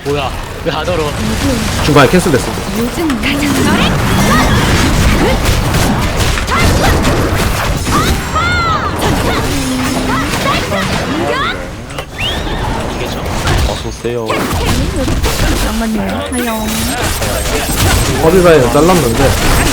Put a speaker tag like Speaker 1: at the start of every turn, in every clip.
Speaker 1: 뭐야 왜 안 얼어?
Speaker 2: 중간에 캔슬됐어.
Speaker 3: 요즘 가장
Speaker 1: 이게죠.
Speaker 4: 어서오세요.
Speaker 3: 잠깐만요. 하영.
Speaker 2: 허리 라인을 잘랐는데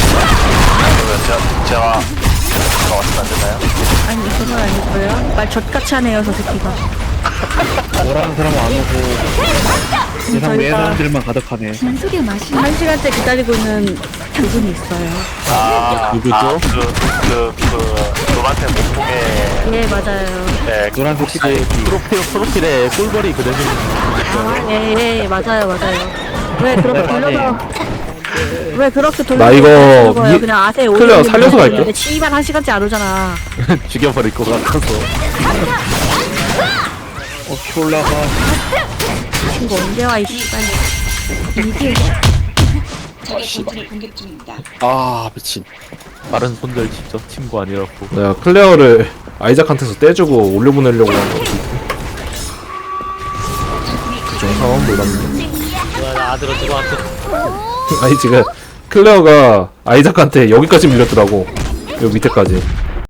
Speaker 4: 그러면 제가 왔으면 안 되나요?
Speaker 3: 아니 그건 아니고요. 말 젖같이 하네요 저 새끼가.
Speaker 5: 뭐라는 사람은 안 오고 세상 외 사람들만 가득하네.
Speaker 3: 진속의 맛이. 1시간째 기다리고 있는 그분이 있어요.
Speaker 4: 누구죠? 노란색 몸통에
Speaker 3: 예 맞아요.
Speaker 4: 네,
Speaker 5: 노란색 치고
Speaker 4: 프로필에 꿀벌이 그려져 있는
Speaker 3: 예 맞아요 맞아요. 왜 그렇게 돌려서 왜 그렇게 돌려서
Speaker 2: 나 이거
Speaker 3: 거예요? 그냥 아세 오는
Speaker 2: 클레어 살려서 갈게.
Speaker 3: 근데 씨발 1시간째 안 오잖아.
Speaker 4: 죽여버릴 것 같아서.
Speaker 5: 올라가.
Speaker 3: 친구 언제 와 이 씨발. 이게
Speaker 4: 아 미친. 빠른 손절 진짜 친구 아니라고.
Speaker 2: 내가 클레어를 아이작한테서 떼주고 올려보내려고 한 거지. 그중 상황 몰랐네.
Speaker 1: 뭐야 나 안으로 들어왔어.
Speaker 2: 아니 지금 클레어가 아이작한테 여기까지 밀렸더라고. 여기 밑에까지.